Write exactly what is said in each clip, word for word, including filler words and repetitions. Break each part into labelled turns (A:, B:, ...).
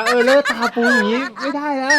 A: ออเลอร์ตาปูอย่างนี้ไม่ได้นะ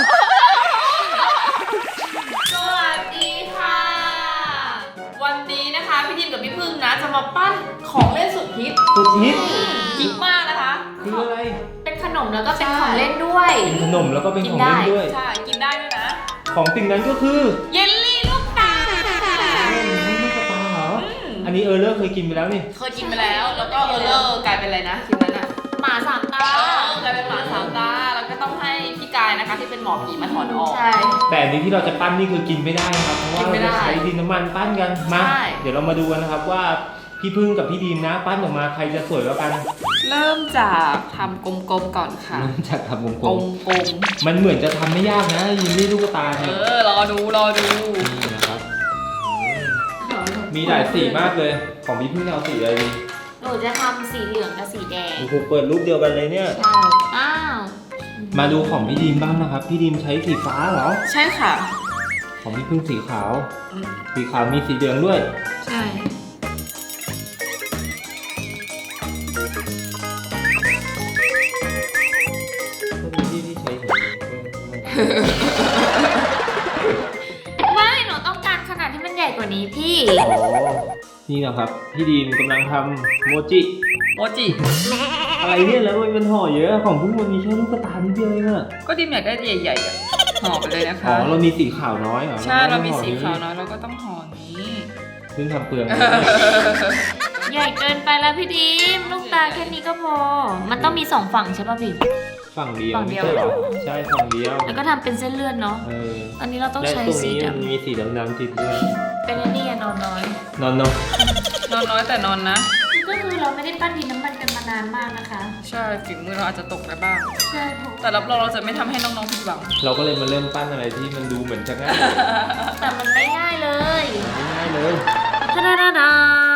B: สวัสดีค่ะวันนี้นะคะพี่ดิมกับพี่พึ่งนะจะมาปั้นของเล่นสุดฮิต
A: สุดฮิต
B: ฮิตมากนะคะ
A: คืออะไร
B: เป็นขนมแล้วก็เป็นของเล่นด้วย
A: เป็นขนมแล้วก็เป็นของเล่นด้วย
B: ใช่กินได้ด้วยนะ
A: ของสิ่งนั้นก็คือ
B: เยลลี่ลูกตา
A: ลูกตาเหรออันนี้เออเลอร์เคยกินไปแล้วนี่
B: เคยกินไปแล้วแล้วก็เออเลอร์กลายเป็นอะไรนะคิดนั้นอะหมาสามตากลายเป็นหมาสามตาแล้วก็ต้องให้พี่กายนะคะที่เป็นหมอผีมาถอนออกใช่
A: แต่อันนี้ที่เราจะปั้นนี่คือกินไม่ได้นะครับเพราะว่าเราจะใช้ดินน้ำมันปั้นกันมาเดี๋ยวเรามาดูกันนะครับว่าพี่พึ่งกับพี่ดีมนะปั้นออกมาใครจะสวยกว่ากัน
B: เริ่มจากทำกลมๆก่อนค่ะ
A: เริ่มจากทำกลม
B: ๆ
A: มันเหมือนจะทำไม่ยากนะยินดีลูกตาเนี่ย
B: เออรอดูรอดู
A: นี่นะครับมีหลายสีมากเลยของพี่พึ่งเอาสีอะไรดี
C: หนูจะทำสีเหลืองกับสีแดง
A: โอ้โหเปิดรูปเดียวกันเลยเนี่ย
C: ใช่อ้าว
A: มาดูของพี่ดีมบ้างนะครับพี่ดีมใช้สีฟ้าเหรอ
B: ใช่ค่ะ
A: ของพี่พึ่งสีขาวสีขาวมีสีเหลืองด้วย
B: ใช่
C: ไม่หนูต้องการขนาดที่มันใหญ่กว่านี้พี่
A: อ๋อนี่นะครับพี่ดีมกำลังทำโมจิ
B: โมจิ
A: อะไรเนี่ยแล้วมันห่อเยอะของพวกมันมีแค่ลูกตานิดเดียวเองอะ
B: ก็ดีมอยากได้ใหญ่ๆอะห่อไปเลยนะคะ
A: อ๋อเรามีสีขาวน้อยเหรอ
B: ใช่เรามีสีขาวน้อยเราก็ต้องห่อนี้
A: ซึ่งทำเปลือง
C: ใหญ่เกินไปแล้วพี่ดีมลูกตาแค่นี้ก็พอมันต้องมีสองฝั่งใช่ป่ะพี่
A: ฝั่งเดียวไม่ใช่หรอใช่ฝั่งเดียว
C: แล้วก็ทำเป็นเส้นเลือดเนาะอันนี้เราต้องใช้สี
A: ดำมีสีดำๆติดด้วย
C: เป็นอันนี้นอนน้อย
A: นอนน้อย
B: นอนน้อยแต่นอนนะ
C: ก็คือเราไม่ได้ปั้นดินน้ำมันกันมานานมากนะคะ
B: ใช่ฝีมือเราอาจจะตกไปบ้าง
C: ใช่
B: แต่รับรองเราจะไม่ทำให้น้องๆผิดหวัง
A: เราก็เลยมาเริ่มปั้นอะไรที่มันดูเหมือนจะง่าย
C: แต่มันไม่ง่ายเลย
A: ไม่ง่ายเลย
C: ทาดาดา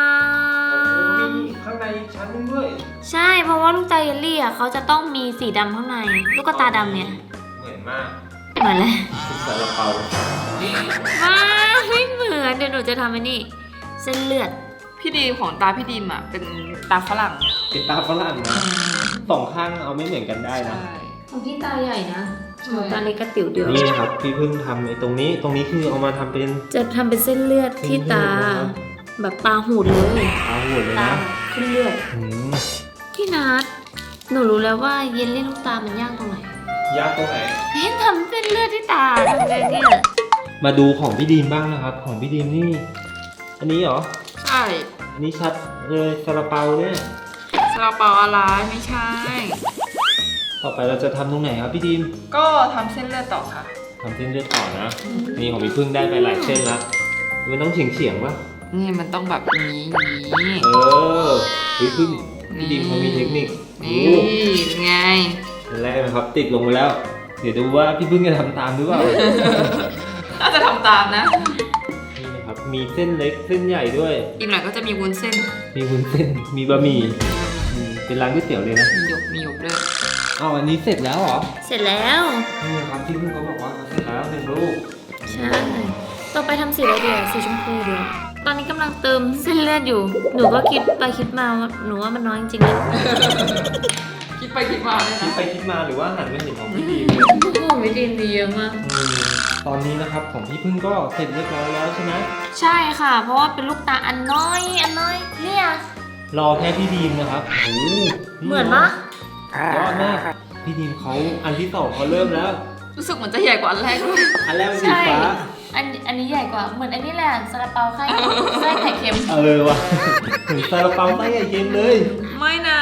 A: ข้างในชั้นนึงด้วย
C: ใช่เพราะว่าลูกตาเยลลี่อ่ะเขาจะต้องมีสีดำข้างในลูกตาดำเนี่ย
A: เหมือนมาก
C: เหมือนเลย
A: ซาลาเปา
C: มาไม่เหมือนเดี๋ยวหนูจะทำไอ้นี่เส้นเลือด
B: พี่ดีมของตาพี่ดีมอ่ะเป็นตาฝรั่ง
A: เป็นตาฝรั่งนะสองข้างเอาไม่เหมือนกันได้นะ
C: ของพี่ตาใหญ่นะหนูตาเล็กกระติ๋วเดียว
A: นี่นะครับพี่เพิ่งทำไอ้ตรงนี้ตรงนี้คือเอามาทำเป็น
C: จะทำเป็นเส้นเลือดที่ตาแบบตาหูดเลย
A: ตาหูดเลยนะ
C: ขึ้นเลือดพี่นัทหนูรู้แล้วว่าเยลลี่ลูกตามันยากตรงไหน
A: ยากตรงไหน
C: เห็นทำเส้นเลือดที่ตาทำไงเนี่ย
A: มาดูของพี่ดีมบ้างนะครับของพี่ดีมนี่อันนี้เหรอ
B: ใช่
A: อันนี้ชัดเลยซาลาเปาเนี่ย
B: ซาลาเปาอะไรไม่ใช่
A: ต่อไปเราจะทำตรงไหนครับพี่ดีม
B: ก็ทำเส้นเลือดต่อค่ะ
A: ทำเส้นเลือดต่อนะนี่ของพี่พึ่งได้ไปหลายเส้นแล้วมันต้องเฉียงเฉียงป่ะ
B: นี่มันต้องแบบนี้นี้
A: เออพี่พึ่งพี่ดีมเขามีเทคนิค
B: นี่ไง
A: แรกนะครับติดลงไปแล้วเดี๋ยวดูว่าพี่พึ่งจะทำตามหรือเปล่า
B: น่าจะทำตามนะ
A: นี่นะครับมีเส้นเล็กเส้นใหญ่ด้วย
B: อีกหน่อยก็จะมีวุ้นเส้น
A: มีวุ้นเส้นมีบะหมี่เป็นร้านก๋วยเตี๋ยวเลยนะ
B: มีหยกมีหยกด้วย
A: อ้าวอันนี้เสร็จแล้วเหรอ
C: เสร็จแล้ว
A: นี่นะครับพี่พึ่งเขาบอกว่าเสร็จแล้วหนึ่งลูก
C: ใช่ต่อไปทำสีอะไรดีสีชมพูดีตอนนี้กำลังเติมเส้นเลือดอยู่หนูก็คิดไปคิดมาหนูว่ามันน้อยจริงๆนะ
B: คิดไปคิดมาเลยนะ
A: คิดไปคิดมาหรือว่าหันไปเห็นของพี่ดีม
C: ของพี่ดีมดีเยอะมาก
A: ตอนนี้นะครับของพี่พึ่งก็เสร็จเรียบร้อยแล้วใช่ไหม
C: ใช่ค่ะเพราะว่าเป็นลูกตาอันน้อยอันน้อยเนี่ย
A: รอแค่พี่ดีมนะครับโอ้
C: เหมือนมะ
A: ยอดมากพี่ดีมเขาอันที่สองเขาเริ่มแล้ว
B: รู้สึกเหมือนจะใหญ่กว่าอันแรกด้วย
A: อันแรกเป็นสีฟ้า
C: อันอันนี้ใหญ่กว่าเหมือนอันนี้แหละซาลาเปาไส้ไส้ไข่เค็ม
A: เออว่ะเหมือนซาลาเปาไส้ไข่เค็มเลย
B: ไม่นะ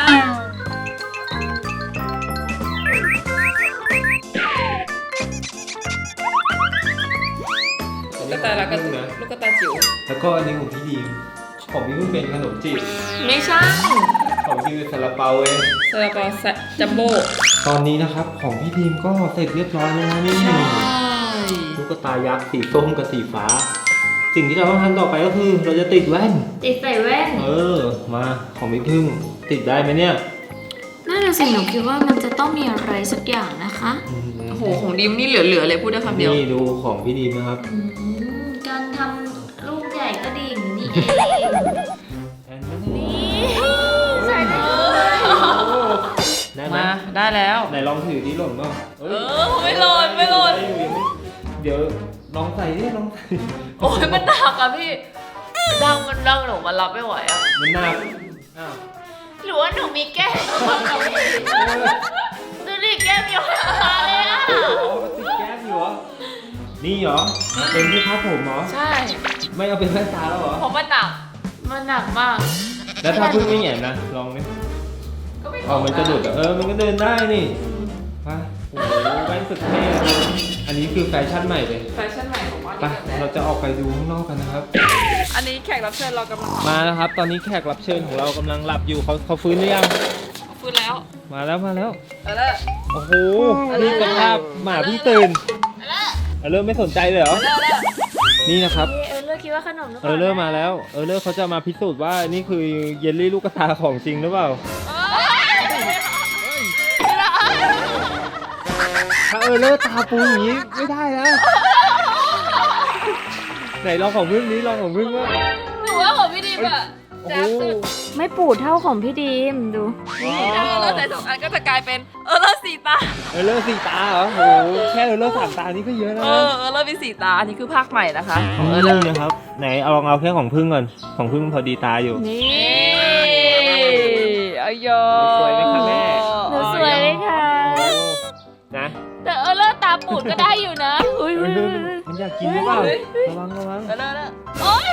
B: ลูกตาละกันลูกตาจิ๋ว
A: แล้วก็อันนี้ของพี่ดีมของพี่เพิ่งเป็นขนมจีบ
C: ไม่ใช่
A: ของพี่คือซาลาเปาเอง
B: ซาลาเปาจัมโบ้
A: ตอนนี้นะครับของพี่ดีมก็เสร็จเรียบร้อยแล้วนี่ลูกตายักษ์สีส้มกับสีฟ้าสิ่งที่เราต้องทำต่อไปก็คือเราจะติดแว่น
C: ติดใส่แว่น
A: เออมาของพี่พึ่งติดได้ไหมเนี่ย
C: น่าจะสิหนูคิดว่ามันจะต้องมีอะไรสักอย่างนะคะ
B: โอ้โหของดิมนี่เหลือๆเลยพูดได้คำเดียว
A: นี่ดูของพี่ดีมนะครับ
C: การทำลูกใหญ่ก็ดีอย่างนี้เองนี่ใส่ได้
B: มาได้แล้ว
A: ไหนลองถือดิหล่นบ้าง
B: เออไม่หล่นไม่หล่น
A: เดี๋ยวลองใส่ดิลองใส่
B: โอ้ยมันหนักอะพี่ดังมันดังหนูมันรับไม่ไหวอะ
A: มันหนักอ้าว
C: หรือว่าหนูมีแก้มดูดิแก้มย้อยตาเลยอ่ะ
A: อ๋อมันติดแก๊สอยู่เหรอนี่เหรอเป็นที่คาดผมเหรอ
B: ใช่
A: ไม่เอาเป็นแว่นตาแล้วเหรอ
B: เพราะมันหนักมันหนักมาก
A: แล้วถ้าพึ่งไม่แหงนนะลองดิ
B: ก็ไม่
A: อ๋อมันจะดุดเหรอเออมันก็เดินได้นี่ไปโอ้โหแว่นสุดเท่เลยอันนี้คือแฟชั่นใหม่เลย
B: แฟชั่นใหม่ของว่า
A: ไป
B: นี่แบบ
A: เราจะออกไปดูข้างนอกกันนะครับ
B: อันนี้แขกรับเชิญเรากำลัง
A: มาแล้วครับ ตอนนี้แขกรับเชิญของเรากำลังหลับอยู่เขาเขาฟื้นหรือยัง
B: ฟื้นแล้ว
A: มาแล้วมาแล้ว
B: เออเลิก
A: โอ้โหนี่สภาพหมาเพิ่งตื่นเออเริ่มไม่สนใจเลยเหรอ
B: เลิกเลิก
A: นี่นะครับ
C: เออเลิกคิดว่าขนมหรือเป
A: เอ
C: ล่า
A: อเริ่มมาแล้วเออเริ่มเขาจะมาพิสูจน์ว่านี่คือเยลลี่ลูกกระตาของจริงหรือเปล่าถ้าเออเริ่มตาปูอย่างนี้ไม่ได้แล้วไหนลองของพึ่งนี้ลองของพึ่งว่า
B: หนูว่าของพี่ดิมอะ
A: โอ้
B: จ้า
A: โห
B: สุด
C: ไม่ปูดเท่าของพี่ดีมดู
B: เออเลิกใส่สองอันก็จะกลายเป็นเออเลิกสี่ตา
A: เออเริ่มสี่ตาเหรอโอ้โหแค่เออเริ่มสามตานี่ก็เยอะนะ
B: เออเออเลิกมีสี่ตาอันนี้คือภาคใหม่นะคะ
A: ของพึ่งนะครับไหนเอาลองเอาแค่ของพึ่งก่อนของพึ่งพอดีตาอยู่
C: นี่
B: อายอ
A: สวยไหมคะแม่
C: หนูสวยเลยค่ะ
A: นะ
C: แต่เออเลิกตาปูดก็ได้อยู่นะอุ้ย
A: เออเริ่มมันอยากกินหรือเปล่าระวังระวัง
B: เออเลิกเลิกโอ๊ย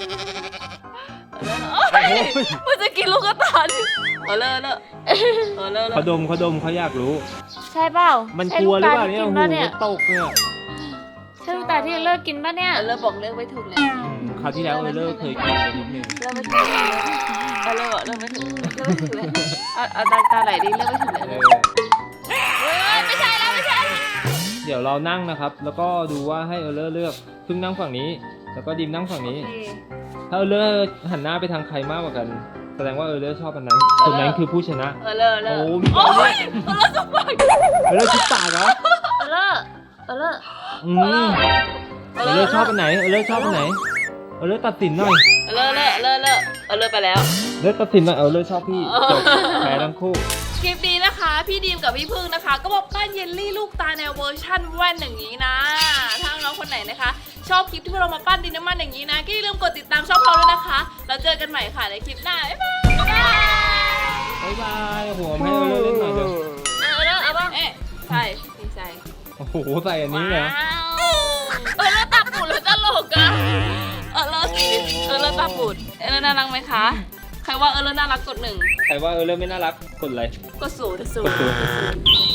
B: เออเลิกโอ๊ยมันจะกินลูกกระตาดิเออเลิกเลิกเออเลิกเลิ
A: เขา
B: ก
A: ดมเขาดมเขาอยากรู้
C: ใช่เปล่า
A: มัน
C: ใช่
A: กลัวหรือเปล่า
C: ที่
A: เนี่ย
C: กิ
A: โอ้
C: น
A: โห
C: ป่ะเนี่ย
A: ตกเนี่ย
C: ใช่ลูกตาที่เลิกกินป่ะเนี่ย
B: เออเลิกบอกเลิกไม่ถูกเลย
A: อืมคราวที่แล้วเออเลิกเคยกินไปนิดนึง
B: เลิกไม่ถูกเลยเออเลิกเลิกไม่ถูกเลิกไม่ถูกเลยเอาเอาตาตาไหนดิเลิกไม่ถูกเลย
A: เออ
B: ไม่ใช่แล้วไม่ใช่
A: เดี๋ยวเรานั่งนะครับ แล้วก็ดูว่าให้เออเลอร์เลือกพึ่งนั่งฝั่งนี้ แล้วก็ดิมนั่งฝั่งนี้ ถ้าเออเลอร์หันหน้าไปทางใครมากกว่ากัน แสดงว่าเออเลอร์ชอบอันนั้นคนนั้นคือผู้ชนะ
B: เออเลิกเลิ
A: โอ้
B: ก
A: มี
B: โอ้
A: การ
B: ยเออเลิกสบาย
A: เออเลอร์คิดปากเหรอ
C: เออเลิกเออเลิก
A: อืมเออเลอร์ชอบอันไหนเออเลอร์ชอบอันไหนเออเลอร์ตัดสินหน่อย
B: เออเลิกเลิกเลิกเลิกเออเลิกไปแล้ว
A: เออเลอร์ตัดสินหน่อยเออเลอร์ชอบพี่จบแพ้ทั้งคู่
B: คลิปนี้นะคะ พี่ดีมกับพี่พึ่งนะคะ ก็บอกปั้นเยลลี่ลูกตาในเวอร์ชั่นแว่นอย่างนี้นะ ถ้าน้องคนไหนนะคะ ชอบคลิปที่พวกเรามาปั้นดินน้ำมันอย่างนี้นะก็อย่าลืมกดติดตามช่องเราด้วยนะคะ แล้วเจอกันใหม่ค่ะในคลิปหน้า บ๊ายบาย
A: บ๊ายบายโอ้โหให้เออเลอร์เล่นหน่อยเดี๋ยว
C: เออเลิกเอาบ้าง
B: เอ๊ะใช่ดีใจ
A: โอ้โหใส่อันนี้เลยเหรอ
B: เออแล้วตาปูดแล้วตลกอะเออเลิกสิเออเลิกตาปูดเออเลิกน่ารักไหมคะ ใครว่าเออเลิกน่ารักกดหนึ่ง
A: ใครว่าเออเลอร์ไม่น่ารักกดอะไร
B: กดศูนย์
A: กดศูนย์